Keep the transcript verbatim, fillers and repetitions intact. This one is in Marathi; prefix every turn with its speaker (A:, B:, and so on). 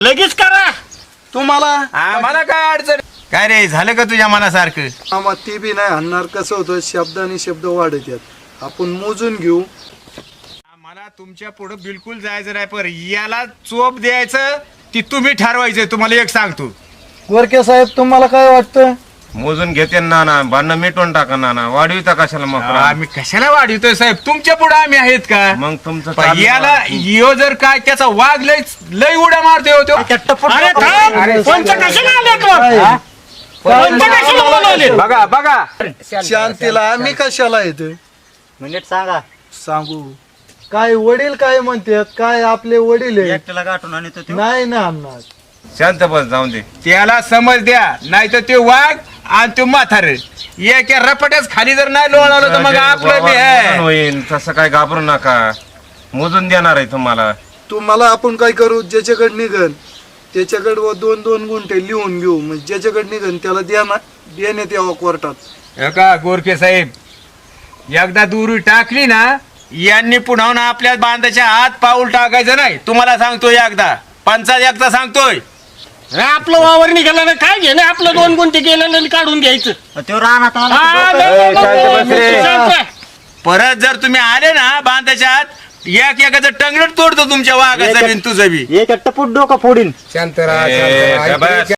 A: लगेच करा
B: तुम्हाला
C: आम्हाला काय अडचण काय रे झालं का तुझ्या मनासारखं
B: आम्हा ती बी नाही आणणार. कसं होतं शब्द आणि शब्द वाढत आहेत. आपण मोजून घेऊ.
C: मला तुमच्या पुढे बिलकुल जायचं नाही पर याला चोप द्यायचं ती तुम्ही ठरवायचं. तुम्हाला एक सांगतो
B: गोरके साहेब तुम्हाला काय वाटतं?
D: मोजून घेते ना ना भांडण मिटवून टाका ना ना वाढविता कशाला मग
C: आम्ही कशाला वाढवतोय साहेब तुमच्या पुढे आम्ही आहेत का
D: मग तुमचं
C: पण
D: चालू
C: याला
D: आहे.
C: यो जर काय त्याचा वाघ लय लय उड्या मारतोय हो तो.
A: अरे थांब पंच कशाला आले तो
B: काय?
A: पंच कशाला बोलवले
C: बघा बघा
B: शांतीला आम्ही कशाला येतोय
E: मिनिट सांगा
B: सांगू. काय वडील काय म्हणतात? काय आपले वडील आहे?
E: एकट्याला गाठून आणि तो
B: नाही ना आणणार.
D: शांत बस जाऊन दे
C: त्याला समज द्या नाही तर ते वाघ आणि तो म्हातार एका रपट्याच खाली जर नाही लोळवलं तर मग आपलं बी आहे.
D: होईल तसं काय घाबरू नका मोजून देणार आहे तुम्हाला.
B: तुम्हाला आपण काय करू? ज्याच्याकडे निघन त्याच्याकडे व दोन दोन गुंठे लिहून घेऊ. म्हणजे ज्याच्याकडे निघन त्याला द्या ना देण्यात यावं कोर्टात.
C: हे का गोरखे साहेब एकदा दुरी टाकली ना यांनी पुन्हा ना आपल्या बांधाच्या आत पाऊल टाकायचं नाही. तुम्हाला सांगतोय एकदा पंचायत एकदा सांगतोय.
A: आपलं वावर निघालं ना काय घेणं आपलं दोन गुंठे गेलं आणि काढून घ्यायचं
E: तो रानात आला
A: हा,
E: की
A: नाही, नाही,
C: ए, शांत बस रे.
A: शांत बस.
C: परत जर तुम्ही आले ना बांधाच्या आत एक एकाचं टंगडट तोडतो तुमच्या वाघाचं बी आणि तुझं बी.
E: एक टपूट डोका फोडीन
D: ए, गबस.